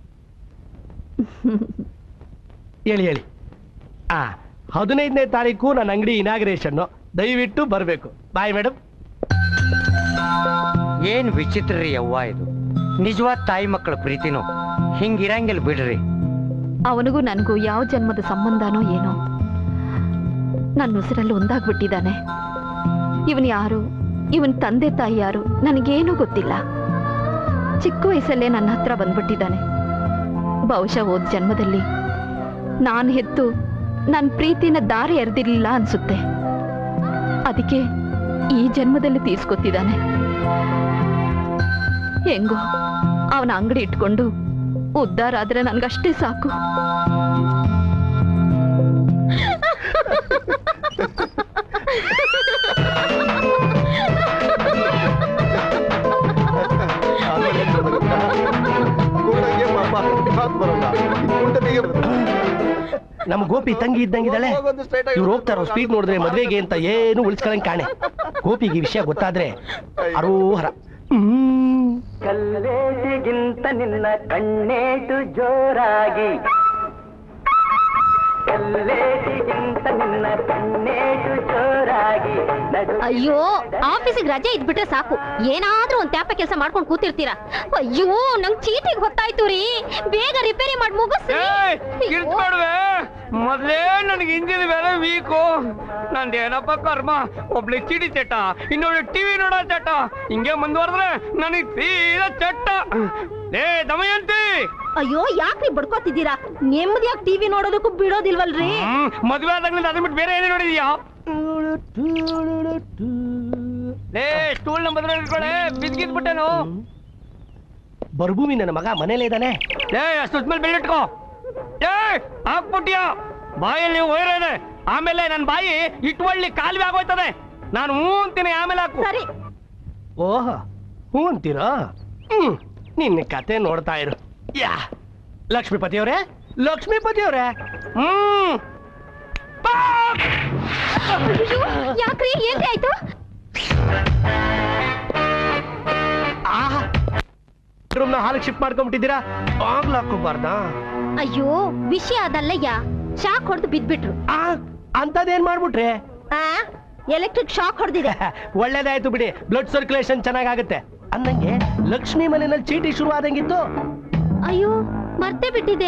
Speaker 3: ಹೇಳಿ 15ನೇ ತಾರೀಕು ನನ್ನ ಅಂಗಡಿ ಇನಾಗ್ರೇಷನ್, ದಯವಿಟ್ಟು ಬರಬೇಕು. Bye madam.
Speaker 8: ಏನ್ ವಿಚಿತ್ರ ರೀ ಅವ್ವ ಇದು. ನಿಜವಾದ ತಾಯಿ ಮಕ್ಕಳ ಪ್ರೀತಿನೂ ಹಿಂಗಿರಂಗಿಲ್ಲ ಬಿಡ್ರಿ.
Speaker 9: ಅವನಿಗೂ ನನಗೂ ಯಾವ ಜನ್ಮದ ಸಂಬಂಧನೋ ಏನೋ, ನನ್ನ ಉಸಿರಲ್ಲಿ ಒಂದಾಗ್ಬಿಟ್ಟಿದ್ದಾನೆ. ಇವನ್ ಯಾರು, ಇವನ್ ತಂದೆ ತಾಯಿ ಯಾರು ನನಗೇನೂ ಗೊತ್ತಿಲ್ಲ. ಚಿಕ್ಕ ವಯಸ್ಸಲ್ಲೇ ನನ್ನ ಹತ್ರ ಬಂದ್ಬಿಟ್ಟಿದ್ದಾನೆ. ಬಹುಶಃ ಹೋದ ಜನ್ಮದಲ್ಲಿ ನಾನು ಹೆತ್ತು ನನ್ನ ಪ್ರೀತಿನ ದಾರಿ ಎರೆದಿರ್ಲಿಲ್ಲ ಅನ್ಸುತ್ತೆ. ಅದಕ್ಕೆ ಈ ಜನ್ಮದಲ್ಲಿ ತೀರ್ಸ್ಕೊತಿದ್ದಾನೆ. ಹೆಂಗೋ ಅವನ ಅಂಗಡಿ ಇಟ್ಕೊಂಡು ಉದ್ಧಾರ ಆದ್ರೆ ನನ್ಗಷ್ಟೇ ಸಾಕು.
Speaker 3: ನಮ್ಮ ಗೋಪಿ ತಂಗಿ ಇದ್ದಂಗಿದ್ದಾಳೆ. ಇವ್ರು ಹೋಗ್ತಾರೋ ಸ್ಪೀಡ್ ನೋಡಿದ್ರೆ ಮದ್ವೆಗೆ ಅಂತ ಏನು ಉಳಿಸ್ಕೊಳಂಗ್ ಕಾಣೆ. ಗೋಪಿಗೆ ವಿಷಯ ಗೊತ್ತಾದ್ರೆ ಅರೋಹರ.
Speaker 10: ಕಲ್ಲೇಟಿಗಿಂತ ನಿನ್ನ ಕಣ್ಣೇಟು ಜೋರಾಗಿ, ಕಲ್ಲೇಟಿಗಿಂತ ನಿನ್ನ ಕಣ್ಣೇಟು ಜೋರಾಗಿ.
Speaker 1: ಅಯ್ಯೋ, ಆಫೀಸಿಗೆ ರಜೆ ಇದ್ಬಿಟ್ರೆ ಸಾಕು, ಏನಾದ್ರೂ ಒಂದ್ ತ್ಯಾಪ ಕೆಲಸ ಮಾಡ್ಕೊಂಡು ಕೂತಿರ್ತೀರಾ. ಅಯ್ಯೋ, ನಂಗ್ ಚೀಟಿಗೆ ಗೊತ್ತಾಯ್ತು ರೀ, ಬೇಗ ರಿಪೇರಿ ಮಾಡಿ ಮುಗಿಸ್ರಿ.
Speaker 6: ಮೊದ್ಲೇ ನನಗೆ ಇಂಜಿನ್ ಬೇರೆ ವೀಕು. ನಂದೇನಪ್ಪ ಕರ್ಮ, ಒಬ್ಳಿ ಚಿಡಿ ಚಟ, ಇನ್ನೊಬ್ಳು ಟಿವಿ ನೋಡೋ ಚಟ. ಹಿಂಗೆ ಮುಂದುವರೆದ್ರೆ ನನಗೆ ತೀರಾ ಚಟ್ಟ. ಏ ದಮಯಂತಿ,
Speaker 1: ಅಯ್ಯೋ ಯಾಕ್ರಿ ಬಡ್ಕೋತಿದ್ದೀರಾ? ನೆಮ್ಮದಿಯಾಗಿ ಟಿವಿ ನೋಡೋದಕ್ಕೂ ಬಿಡೋದಿಲ್ವಲ್ರಿ?
Speaker 6: ಮದ್ವೆ ಆದಾಗ್ಲಿಂದ ಅದನ್ನ ಬಿಟ್ಟು ಬೇರೆ ಏನೇ ನೋಡಿದ್ಯಾ? ಏ ಸ್ಟೂಲ್ ನಂಬರ್ ಇಟ್ಕೊಳ್ಳೆ, ಬಿದ್ಗಿದ್ಬಿಟ್ಟೇನು.
Speaker 3: ಬರ್ಭೂಮಿ ನನ್ನ ಮಗ ಮನೇಲೇ ಇದ್ದಾನೆ.
Speaker 6: ಏ ಅಷ್ಟು ಮೇಲೆ ಬೆಳ್ಳಿಟ್ಕೋ. ಏ ಹಾಕ್ಬಿಟ್ಯಾ, ಬಾಯಲ್ಲಿ ವೈರ ಇದೆ. ಆಮೇಲೆ ನನ್ನ ಬಾಯಿ ಇಟ್ವಳ್ಳಿ ಕಾಲುವೆ ಆಗೋಯ್ತದೆ. ನಾನು ಹೂ ಅಂತೀನಿ, ಆಮೇಲೆ ಹಾಕು.
Speaker 1: ಸರಿ.
Speaker 3: ಓಹ, ಹೂ ಅಂತೀರಾ? ನಿನ್ನ ಕತೆ ನೋಡ್ತಾ ಇರು. ಯಾ ಲಕ್ಷ್ಮೀಪತಿ ಅವರೇ, ಲಕ್ಷ್ಮೀಪತಿ ಅವರೇ.
Speaker 1: ಯಾಕ್ರಿ, ಏನ್ರಿ ಆಯ್ತು?
Speaker 3: ರೂಮ್ನ ಹಾಲಿಗೆ ಶಿಫ್ಟ್ ಮಾಡ್ಕೊಂಡ್ಬಿಟ್ಟಿದ್ದೀರಾ? ಬಾಗ್ಲು ಹಾಕೋಬಾರ್ದಾ?
Speaker 1: ಅಯ್ಯೋ, ವಿಷಯ ಅದಲ್ಲಯ್ಯ, ಶಾಕ್ ಹೊಡೆದು ಬಿದ್ಬಿಟ್ರು.
Speaker 3: ಅಂತದೇನ್ ಮಾಡ್ಬಿಟ್ರೆ?
Speaker 1: ಎಲೆಕ್ಟ್ರಿಕ್ ಶಾಕ್ ಹೊಡೆದಿದೆ.
Speaker 3: ಒಳ್ಳೇದಾಯ್ತು ಬಿಡಿ, ಬ್ಲಡ್ ಸರ್ಕ್ಯುಲೇಷನ್ ಚೆನ್ನಾಗಾಗುತ್ತೆ. ಅಂದಂಗೆ ಲಕ್ಷ್ಮಿ ಮನೆಯಲ್ಲಿ ಚೀಟಿ ಶುರು ಆದಂಗಿತ್ತು.
Speaker 1: ಅಯ್ಯೋ, ಮರ್ತೇ ಬಿಟ್ಟಿದೆ.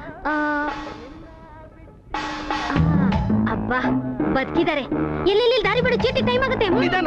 Speaker 1: ಅಬ್ಬಾ, ಬದುಕಿದ್ದಾರೆ. ಎಲ್ಲೆಲ್ಲಿ ದಾರಿ ಬಿಡು, ಚೀಟಿ ಟೈಮ್ ಆಗುತ್ತೆ.
Speaker 3: ನಿಧಾನ.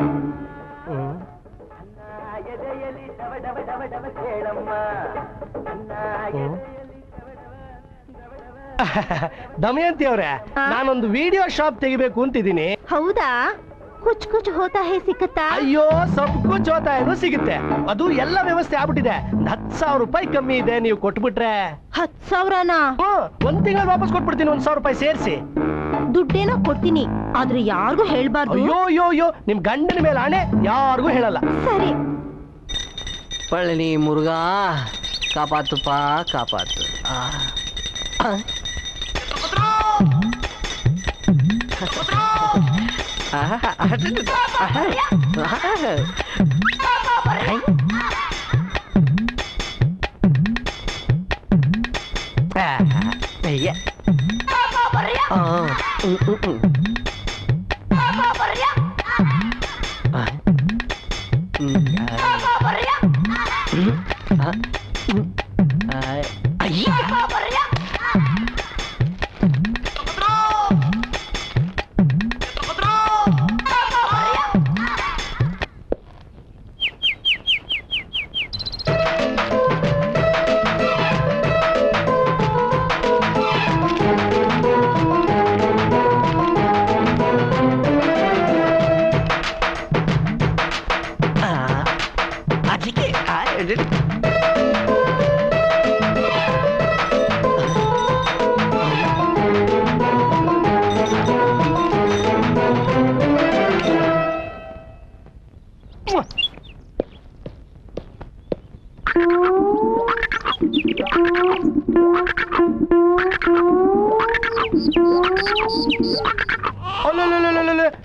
Speaker 3: ದಮಯಂತಿ ಅವ್ರೆ, ನಾನೊಂದು ವಿಡಿಯೋ ಶಾಪ್ ತೆಗಿಬೇಕು ಅಂತಿದ್ದೀನಿ.
Speaker 1: ಹೌದಾ? ಕುಚ್ ಕುಚ್ ಹೋತಾ ಹೇ ಸಿಕ್ಕತ್ತಾ?
Speaker 3: ಅಯ್ಯೋ, ಸಬ್ ಕುಚ್ ಹೋತಾ ಏನೋ ಸಿಗುತ್ತೆ. ಅದು ಎಲ್ಲ ವ್ಯವಸ್ಥೆ ಆಗ್ಬಿಟ್ಟಿದೆ. 10,000 ರೂಪಾಯಿ ಕಮ್ಮಿ ಇದೆ, ನೀವು ಕೊಟ್ಬಿಟ್ರೆ.
Speaker 1: 10,000ನಾ?
Speaker 3: ಒಂದ್ ತಿಂಗಳು ವಾಪಸ್ ಕೊಟ್ಬಿಡ್ತೀನಿ, 1,000 ರೂಪಾಯಿ ಸೇರಿಸಿ.
Speaker 1: ದುಡ್ಡೇನೋ ಕೊಡ್ತೀನಿ, ಆದ್ರೆ ಯಾರಿಗೂ ಹೇಳ್ಬಾರ್ದು.
Speaker 3: ಅಯ್ಯೋ, ನಿಮ್ ಗಂಡನ ಮೇಲೆ ಆಣೆ, ಯಾರಿಗೂ ಹೇಳಲ್ಲ.
Speaker 1: ಸರಿ.
Speaker 10: ಪಳನಿ ಮುರುಗಾ, ಕಾಪಾತುಪ್ಪ ಕಾಪಾತು.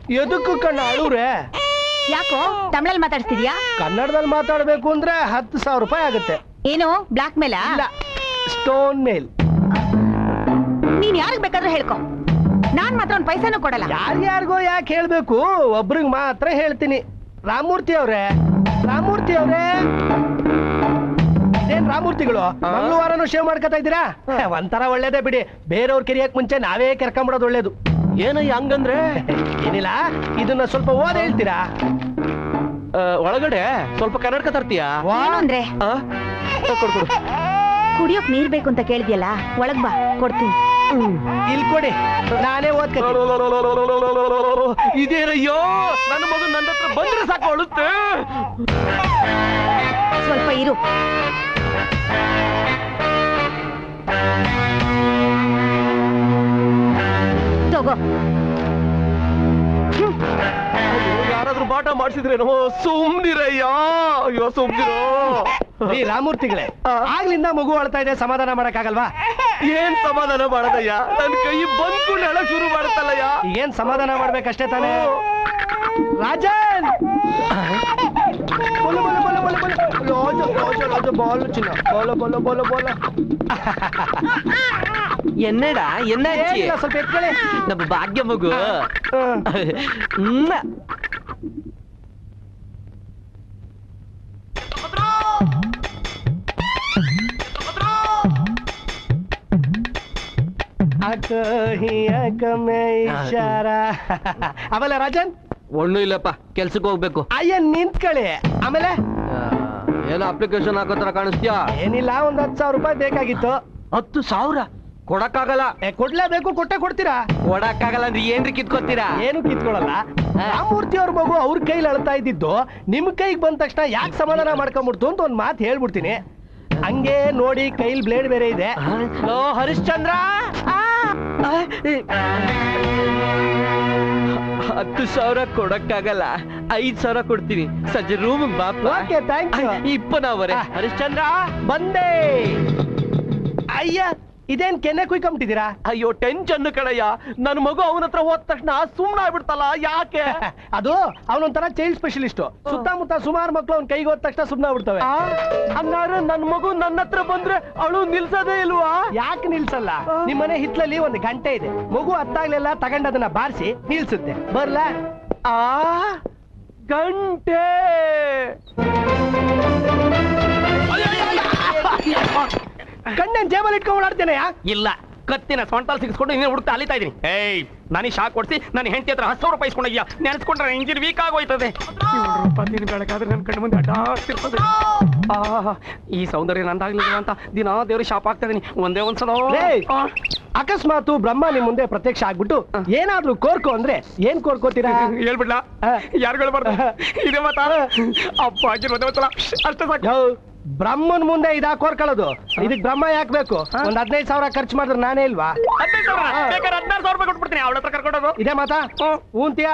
Speaker 3: ಎದಕ್ಕೂ ಕಣ್ಣ ಅಳುವ್ರೆ?
Speaker 9: ಯಾಕೋ ತಮಿಳಲ್ಲಿ ಮಾತಾಡ್ತಿದ್ಯಾ?
Speaker 3: ಕನ್ನಡದಲ್ಲಿ ಮಾತಾಡ್ಬೇಕು ಅಂದ್ರೆ 10,000 ರೂಪಾಯಿ ಆಗುತ್ತೆ.
Speaker 9: ಏನು ಬ್ಲಾಕ್ ಮೇಲ?
Speaker 3: ಇಲ್ಲ, ಸ್ಟೋನ್ ಮೇಲ್.
Speaker 9: ನೀನ್ ಯಾರಿಗ್ ಬೇಕಾದ್ರೂ ಹೇಳ್ಕೊ, ನಾನ್ ಮಾತ್ರ ಒಂದ್ ಪೈಸಾನು ಕೊಡಲ್ಲ.
Speaker 3: ಯಾರ್ಯಾರಿಗೋ ಯಾಕೆ ಹೇಳ್ಬೇಕು, ಒಬ್ರಿಗೆ ಮಾತ್ರ ಹೇಳ್ತೀನಿ. ರಾಮಮೂರ್ತಿ ಅವ್ರೆ, ರಾಮಮೂರ್ತಿ ಅವ್ರೆ, ಇದೇನ್ ರಾಮಮೂರ್ತಿಗಳು ಮಂಗಳವಾರನು ಶೇವ್ ಮಾಡ್ಕೊತಾ ಇದ್ದೀರಾ? ಒಂಥರ ಒಳ್ಳೇದೇ ಬಿಡಿ, ಬೇರೆಯವ್ರ ಕೆರಿಯಕ್ ಮುಂಚೆ ನಾವೇ ಕೆರ್ಕೊಂಬಿಡೋದು ಒಳ್ಳೇದು.
Speaker 2: ಏನಯ್ಯ ಹಂಗಂದ್ರೆ?
Speaker 3: ಏನಿಲ್ಲ, ಇದನ್ನ ಸ್ವಲ್ಪ ಓದ್ ಹೇಳ್ತೀರಾ?
Speaker 2: ಒಳಗಡೆ ಸ್ವಲ್ಪ ಕನ್ನಡಕ ತರ್ತೀಯಾ?
Speaker 9: ಏನು ಅಂದ್ರೆ
Speaker 2: ಕೊಡು.
Speaker 9: ಕುಡಿಯೋಕ್ ನೀರ್ ಬೇಕು ಅಂತ ಕೇಳಿದ್ಯಲ್ಲ, ಒಳಗ್ ಬಾ ಕೊಡ್ತೀನಿ.
Speaker 3: ಇಲ್ಲಿ ಕೊಡಿ, ನಾನೇ ಓದ್ತೀನಿ.
Speaker 2: ಇದೇನಯ್ಯೋ, ನನ್ನ ಮಗು ನನ್ನ ಹತ್ರ ಬಂದ್ರೆ ಸಾಕು ಅಳುತ್ತೆ.
Speaker 9: ಸ್ವಲ್ಪ ಇರು. ತಗೋ.
Speaker 2: ಯಾರಾದ್ರೂ ಬಾಟ ಮಾಡಿಸಿದ್ರೇನೋ? ಸುಮ್ನಿರಯ್ಯ. ಅಯ್ಯೋ ಸುಮ್ನಿರೋ.
Speaker 3: ಈ ರಾಮಮೂರ್ತಿಗಳೇ, ಆಗ್ಲಿಂದ ಮಗು ಅಳ್ತಾ ಇದೆ, ಸಮಾಧಾನ ಮಾಡಕ್ಕಾಗಲ್ವಾ?
Speaker 2: ಏನ್ ಸಮಾಧಾನ ಮಾಡದಯ್ಯ? ನನ್ ಕೈ ಬಂದ್ಕು ನೆಳ ಶುರು ಮಾಡುತ್ತಲ್ಲಯ್ಯ.
Speaker 3: ಏನ್ ಸಮಾಧಾನ ಮಾಡ್ಬೇಕಷ್ಟೇ ತಾನೇ? ರಾಜನ್, ಬೋಲು ಬೋಲು ಬೋಲು ಬೋಲು ಬೋಲು ಲೋಜು ಲೋಜು ಲೋಜು ಬೋಲು ಚಿನ್ನ ಬೋಲು ಬೋಲು ಬೋಲು ಬೋಲು.
Speaker 10: என்னடா என்னாச்சு?
Speaker 3: ಸ್ವಲ್ಪ ಎತ್ಕೊಳ್ಳಿ.
Speaker 10: நம்ம பாக்ய மகு.
Speaker 3: ಆಮೇಲೆ ರಾಜನ್
Speaker 10: ಒಣ್ಣು ಇಲ್ಲಪ್ಪ, ಕೆಲ್ಸಕ್ಕೆ ಹೋಗ್ಬೇಕು.
Speaker 3: ಅಯ್ಯ ನಿಂತ್ಕೊಳ್ಳಿ. ಆಮೇಲೆ
Speaker 10: ಏನೋ ಅಪ್ಲಿಕೇಶನ್ ಹಾಕೋತರ ಕಾಣಿಸ್ತೀಯಾ?
Speaker 3: ಏನಿಲ್ಲ, ಒಂದ್ 10,000 ರೂಪಾಯಿ ಬೇಕಾಗಿತ್ತು.
Speaker 10: 10,000 ಕೊಡಕ್ಕಾಗಲ್ಲ.
Speaker 3: ಕೊಡ್ಲೇಬೇಕು, ಕೊಟ್ಟೆ ಕೊಡ್ತೀರಾ?
Speaker 10: ಕೊಡಕ್ಕಾಗಲ್ಲ ಅಂದ್ರೆ ಏನ್ರಿ ಕಿತ್ಕೊತೀರಾ?
Speaker 3: ಏನು ಕಿತ್ಕೊಳಲ್ಲ. ರಾಮಮೂರ್ತಿ ಅವ್ರ ಮಗು ಅವ್ರ ಕೈಲಿ ಅಳ್ತಾ ಇದ್ದಿದ್ದು ನಿಮ್ ಕೈಗೆ ಬಂದ ತಕ್ಷಣ ಯಾಕೆ ಸಮಾಧಾನ ಮಾಡ್ಕೊಂಡ್ಬಿಡ್ತು ಅಂತ ಒಂದ್ ಮಾತು ಹೇಳ್ಬಿಡ್ತೀನಿ. ಹಂಗೆ ನೋಡಿ, ಕೈಲಿ ಬ್ಲೇಡ್ ಬೇರೆ ಇದೆ.
Speaker 10: ಲೋ ಹರಿಶ್ಚಂದ್ರ, 10,000 ಕೊಡಕ್ಕಾಗಲ್ಲ, 5,000 ಕೊಡ್ತೀನಿ. ಸಂಜೆ ರೂಮ್ ಬಾಪ.
Speaker 3: Okay, thank you.
Speaker 10: ಇಪ್ಪನವರೇ ಹರಿಶ್ಚಂದ್ರ
Speaker 3: ಬಂದೆ. ಅಯ್ಯ, ಇದೇನ್ ಕೆನ್ನೆ ಕುಯ್ಕೊಂಬಿಟ್ಟಿದ್ದೀರಾ?
Speaker 2: ಅಯ್ಯೋ ಟೆನ್ಷನ್ ಕಣಯ್ಯ. ನನ್ ಮಗು ಅವನ ಹತ್ರ ಹೋದ ತಕ್ಷಣ ಸುಮ್ನ ಆಗ್ಬಿಡ್ತಲ್ಲ, ಯಾಕೆ?
Speaker 3: ಅದು ಅವನೊಂಥರ ಚೈಲ್ಡ್ ಸ್ಪೆಷಲಿಸ್ಟ್. ಸುತ್ತಮುತ್ತ ಸುಮಾರು ಮಕ್ಳು ಅವ್ನ ಕೈಗೆ ಹೋದ ತಕ್ಷಣ ಸುಮ್ನ ಆಗ್ಬಿಡ್ತವೆ.
Speaker 2: ಹಂಗಾದ್ರೆ ನನ್ ಮಗು ನನ್ನ ಹತ್ರ ಬಂದ್ರೆ ಅವಳು ನಿಲ್ಸೋದೇ ಇಲ್ವಾ?
Speaker 3: ಯಾಕೆ ನಿಲ್ಸಲ್ಲ? ನಿಮ್ಮನೆ ಹಿತ್ಲಲ್ಲಿ ಒಂದು ಗಂಟೆ ಇದೆ. ಮಗು ಹತ್ತಾಗ್ಲೆಲ್ಲ ತಗೊಂಡ್ ಅದನ್ನ ಬಾರಿಸಿ ನಿಲ್ಸುತ್ತೆ. ಬರ್ಲಾ?
Speaker 2: ಗಂಟೆ
Speaker 3: ಕಣ್ಣನ್ ಜೇಬಲ್ಲಿ ಇಟ್ಕೊಂಡು ಓಡಾಡ್ತೇನೆ.
Speaker 4: ಇಲ್ಲ, ಕತ್ತಿನ ಸೊಂಟಲ್ ಸಿಗಿಸ್ಕೊಂಡು ನೀನು ಹುಡುಕ್ತಾ ಅಲಿತಾ ಇದೀನಿ. ಏಯ್, ನನಗೆ ಶಾಕ್ ಕೊಡ್ಸಿ ನನ್ನ ಹೆಂಡತಿ ಹತ್ರ 10,000 ರೂಪಾಯಿ ಇಸ್ಕೊಂಡಿದ್ಯಾ? ನೆನೆಸ್ಕೊಂಡ್ರೆ ಇಂಜಿನ್ ವೀಕ್ ಆಗೋಯ್ತದೆ. 7 ರೂಪಾಯಿ ದಿನ ಬೆಳಗಾದ್ರೆ ನನ್ನ ಕಣ್ಣು ಮುಂದೆ ಅಡ್ಡಾಡ್ತಿರ್ತದೆ. ಈ ಸೌಂದರ್ಯ ನಂದಾಗ್ಲಿಲ್ಲ ಅಂತ ದಿನ ದೇವ್ರಿಗೆ ಶಾಪ್ ಆಗ್ತಾ ಇದೀನಿ. ಒಂದೇ ಒಂದ್ಸಲ
Speaker 3: ಅಕಸ್ಮಾತ್ ಬ್ರಹ್ಮ ನಿಮ್ ಮುಂದೆ ಪ್ರತ್ಯಕ್ಷ ಆಗ್ಬಿಟ್ಟು ಏನಾದ್ರೂ ಕೋರ್ಕೋ ಅಂದ್ರೆ ಏನ್ ಕೋರ್ಕೋತೀರಾ?
Speaker 4: ಹೇಳ್ಬಿಡ್ಲಾ? ಯಾರು ಹೇಳ್ಬಾರ್ದು. ಇದೇ ಮಾತಾ? ಅಪ್ಪ ಆಗಿರೋದೇ ಒಂದ್ಸಲ ಅಷ್ಟೇ ಸಾಕು.
Speaker 3: ಬ್ರಹ್ಮನ್ ಮುಂದೆ ಇದಾ ಕೋರ್ಕೊಳ್ಳೋದು? ಇದಕ್ ಬ್ರಹ್ಮ ಯಾಕೆ ಬೇಕು? ಒಂದ್ 15,000 ಖರ್ಚು ಮಾಡಿದ್ರೆ ನಾನೇ ಇಲ್ವಾ?
Speaker 4: 15,000 ಬೇಕಾದ್ರೆ 16,000 ರೂಪಾಯಿ ಕೊಟ್ಬಿಡ್ತೀನಿ. ಅವಳ ಹತ್ರ ಕರ್ಕೊಂಡೋದು.
Speaker 3: ಇದೇ ಮಾತಾ? ಊಂತಿಯಾ?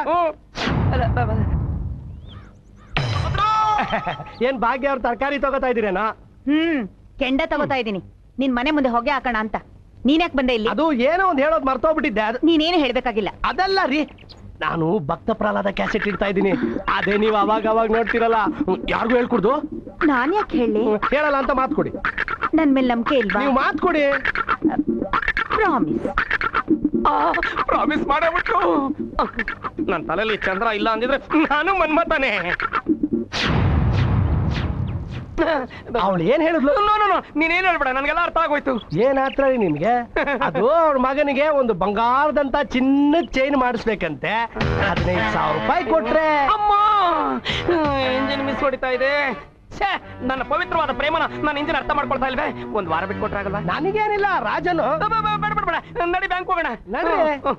Speaker 3: ಏನ್ ಭಾಗ್ಯ ಅವ್ರ ತರಕಾರಿ ತಗೋತಾ ಇದೀರೇನಾ?
Speaker 9: ಕೆಂಡ ತಗೋತಾ ಇದೀನಿ. ನಿನ್ ಮನೆ ಮುಂದೆ ಹೊಗೆ ಹಾಕೋಣ ಅಂತ. ನೀನ್ಯಾಕ್ ಬಂದೆ ಇಲ್ಲಿ?
Speaker 3: ಅದು ಏನೋ ಒಂದ್ ಹೇಳೋದ್ ಮರ್ತೋಗ್ಬಿಟ್ಟಿದ್ದೆ.
Speaker 9: ನೀನೇನು ಹೇಳ್ಬೇಕಾಗಿಲ್ಲ.
Speaker 3: ಅದಲ್ಲ ರೀ, ನಾನು ಭಕ್ತ ಪ್ರಹ್ಲಾದ ಕ್ಯಾಸೆಟ್ ಇಡ್ತಾ ಇದ್ದೀನಿ. ಅದೇ ನೀವು ಅವಾಗ ನೋಡ್ತಿರಲ್ಲ. ಯಾರಿಗೂ ಹೇಳ್ಕೊಡ್ದು?
Speaker 9: ನಾನ್ ಯಾಕೆ ಹೇಳಿ?
Speaker 3: ಹೇಳಲ್ಲ ಅಂತ ಮಾತು ಕೊಡಿ.
Speaker 9: ನನ್ ಮೇಲೆ ನಂಬಿಕೆ ಇಲ್ವಾ?
Speaker 3: ನೀವು ಮಾತು ಕೊಡಿ.
Speaker 9: ಪ್ರಾಮಿಸ್.
Speaker 4: ಪ್ರಾಮಿಸ್ ಮಾಡಬಿಟ್ಟು ನನ್ನ ತಲೆಯಲ್ಲಿ ಚಂದ್ರ ಇಲ್ಲ ಅಂದಿದ್ರೆ ನಾನು ಮನ್ಮತಾನೆ.
Speaker 3: ಅವಳು ಏನ್ ಹೇಳಿದ್ಲು?
Speaker 4: ನೀನೇನ್ ಹೇಳ್ಬೇಡ, ನನ್ಗೆಲ್ಲ ಅರ್ಥ ಆಗೋಯ್ತು.
Speaker 3: ಏನಾತ್ರ ನಿಮ್ಗೆ? ಅದು ಅವ್ರ ಮಗನಿಗೆ ಒಂದು ಬಂಗಾರದಂತ ಚಿನ್ನದ ಚೈನ್ ಮಾಡಿಸ್ಬೇಕಂತೆ. 15,000 ರೂಪಾಯಿ ಕೊಟ್ರೆ
Speaker 4: ಅಮ್ಮ ಇಂಜಿನ್ ಮಿಸ್ ಹೊಡಿತಾ ಇದೆ. ನನ್ನ ಪವಿತ್ರವಾದ ಪ್ರೇಮನ ನನ್ನ ಇಂಜಿನ್ ಅರ್ಥ ಮಾಡ್ಕೊಳ್ತಾ ಇಲ್ವೇ? ಒಂದ್ ವಾರ ಬಿಟ್ಟು ಕೊಟ್ರೆ ಆಗಲ್ವಾ?
Speaker 3: ನನಗೇನಿಲ್ಲ, ರಾಜನು.
Speaker 4: ಬೇಡ, ನಡಿ ಬ್ಯಾಂಕ್ ಹೋಗೋಣ.
Speaker 3: ನಡಿ.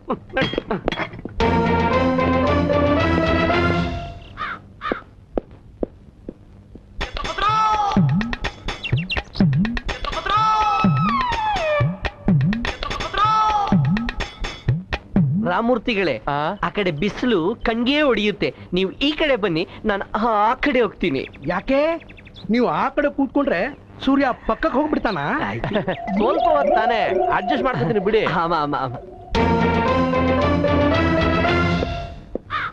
Speaker 10: ರಾಮಮೂರ್ತಿಗಳೇ, ಆ ಕಡೆ ಬಿಸಿಲು ಕಣ್ಗೆ ಹೊಡೆಯುತ್ತೆ. ನೀವು ಈ ಕಡೆ ಬನ್ನಿ, ನಾನು ಆ ಕಡೆ ಹೋಗ್ತೀನಿ.
Speaker 3: ಯಾಕೆ? ನೀವು ಆ ಕಡೆ ಕೂತ್ಕೊಂಡ್ರೆ ಸೂರ್ಯ ಪಕ್ಕಕ್ಕೆ ಹೋಗ್ಬಿಡ್ತಾನ?
Speaker 2: ಸ್ವಲ್ಪ ಹೊತ್ತು ತಾನೆ ಅಡ್ಜಸ್ಟ್ ಮಾಡ್ಕೊತೀನಿ ಬಿಡಿ.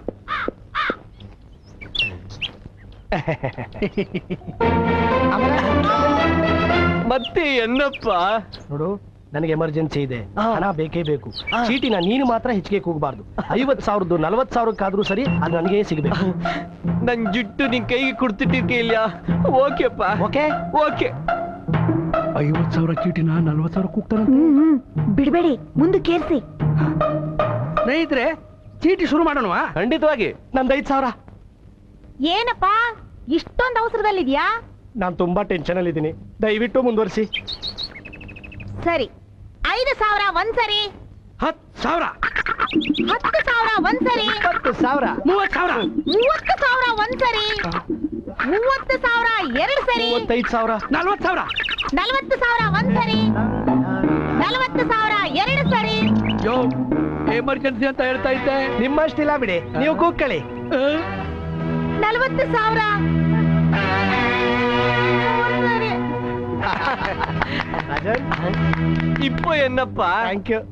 Speaker 10: ಮತ್ತೆ ಏನಪ್ಪ?
Speaker 3: ನೋಡು, ನನಗೆ ಎಮರ್ಜೆನ್ಸಿ ಇದೆ, ಹಣ ಬೇಕೇ ಬೇಕು. ಚೀಟಿನ ನೀನು ಮಾತ್ರ ಹೆಚ್ಚಿಗೆ ಕೂಗಬಾರ್ದು. 50,000 40,000ಕ್ಕಾದ್ರೂ ಸರಿ, ಅದು ನನಗೆ ಸಿಗಬೇಕು.
Speaker 10: ನನ್ ಜುಟ್ಟು ನಿನ್ ಕೈಗೆ ಕೊಡ್ತಿಟ್ಟಿರ್ಕಿಲ್ಲ. ಓಕೆಪ್ಪ.
Speaker 3: Okay
Speaker 10: okay.
Speaker 3: 50,000 ಚೀಟಿನ 40,000 ಕೂಗ್ತಾನ.
Speaker 7: ಬಿಡ್ಬೇಡಿ, ಮುಂದಕ್ಕೇರ್ಸಿ.
Speaker 6: ಸ್ನೇಹಿತರೆ, ಚೀಟಿ ಶುರು ಮಾಡೋಣವಾ?
Speaker 2: ಖಂಡಿತವಾಗಿ.
Speaker 3: ನಂದು 5,000.
Speaker 1: ಏನಪ್ಪಾ ಇಷ್ಟೊಂದು ಅವಸರದಲ್ಲಿದ್ಯಾ?
Speaker 3: ನಾನು ತುಂಬಾ ಟೆನ್ಷನ್ ಅಲ್ಲಿ ಇದ್ದೀನಿ, ದಯವಿಟ್ಟು ಮುಂದುವರಿಸಿ.
Speaker 1: ಸರಿ, 5,000 ಒಂದ್ಸರಿ,
Speaker 6: 10,000,
Speaker 1: 10,000 ಒಂದ್ಸರಿ,
Speaker 3: 10,000,
Speaker 6: 30,000,
Speaker 1: 30,000 ಒಂದ್ಸರಿ, 30,000 ಎರಡು ಸರಿ,
Speaker 3: 35,000,
Speaker 6: 40,000.
Speaker 1: 40,000 ಒಂದ್ಸರಿ, 40,000 ಎರಡು ಸರಿ.
Speaker 6: ಯೋ, ಎಮರ್ಜೆನ್ಸಿ ಅಂತ ಹೇಳ್ತಾ ಇದ್ದೆ.
Speaker 3: ನಿಮ್ಮಷ್ಟಿಲ್ಲ ಬಿಡಿ, ನೀವು ಕೂಗ್ಕೊಳ್ಳಿ.
Speaker 1: 40,000
Speaker 10: ಇಪ್ಪ ಏನಪ್ಪ?
Speaker 3: Thank you.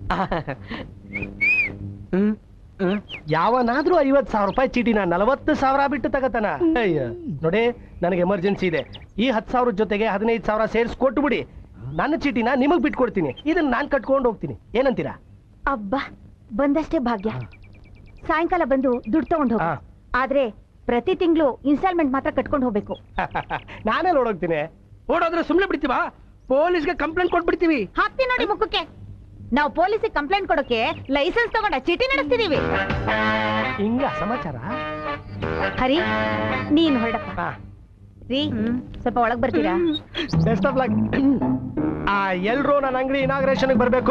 Speaker 3: ಯಾವನಾದ್ರೂ 50,000 ರೂಪಾಯಿ ಚೀಟಿನ 40,000 ಬಿಟ್ಟು ತಗತಾನ? ಅಯ್ಯ ನೋಡಿ, ನನಗೆ ಎಮರ್ಜೆನ್ಸಿ ಇದೆ. ಈ 10,000 ಜೊತೆಗೆ 15,000 ಸೇರಿಸಿ ಕೊಟ್ಟು ಬಿಡಿ. ನನ್ನ ಚೀಟಿನ ನಿಮಗ್ ಬಿಟ್ಕೊಡ್ತೀನಿ. ಇದನ್ನ ನಾನ್ ಕಟ್ಕೊಂಡು ಹೋಗ್ತೀನಿ. ಏನಂತೀರಾ?
Speaker 7: ಅಬ್ಬಾ, ಬಂದಷ್ಟೇ ಭಾಗ್ಯ. ಸಾಯಂಕಾಲ ಬಂದು ದುಡ್ಡು ತಗೊಂಡು ಹೋಗಿ. ಆದ್ರೆ ಪ್ರತಿ ತಿಂಗಳು ಇನ್ಸ್ಟಾಲ್ಮೆಂಟ್ ಮಾತ್ರ ಕಟ್ಕೊಂಡು ಹೋಗ್ಬೇಕು.
Speaker 3: ನಾನೇ ನೋಡೋಗ್ತೀನಿ.
Speaker 6: ಓಡೋದ್ರೆ ಸುಮ್ನೆ ಬಿಡ್ತೀವಾ? ಪೊಲೀಸ್ಗೆ ಕಂಪ್ಲೇಂಟ್ ಕೊಟ್ಬಿಡ್ತೀವಿ.
Speaker 1: ಹಾಕ್ತಿ ನೋಡಿ ಮುಖಕ್ಕೆ. ನಾವು ಪೊಲೀಸಿಗೆ ಕಂಪ್ಲೇಂಟ್ ಕೊಡೋಕೆ ಲೈಸೆನ್ಸ್ ತಗೊಂಡ ಚೀಟಿ ನಡೆಸ್ತಿದೀವಿ.
Speaker 3: ಹಿಂಗ ಸಮಾಚಾರ.
Speaker 1: ಹರಿ, ನೀನ್ ಹೊರಡಪ್ಪ. ರೀ, ಸ್ವಲ್ಪ ಒಳಗ್ ಬರ್ತೀರಾ?
Speaker 3: Best of luck. ಎಲ್ರೂ ನನ್ನ ಅಂಗಡಿ ಇನಾಗ್ರೇಷನ್ ಬರ್ಬೇಕು.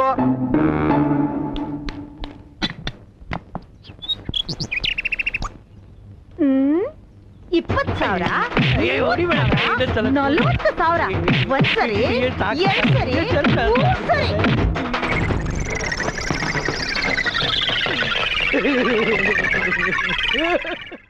Speaker 1: ಹ್ಮ್, 20,000, 40,000 ಒಂದ್ಸರಿ, ಎರಡು ಸರಿ, ಮೂರು ಸರಿ.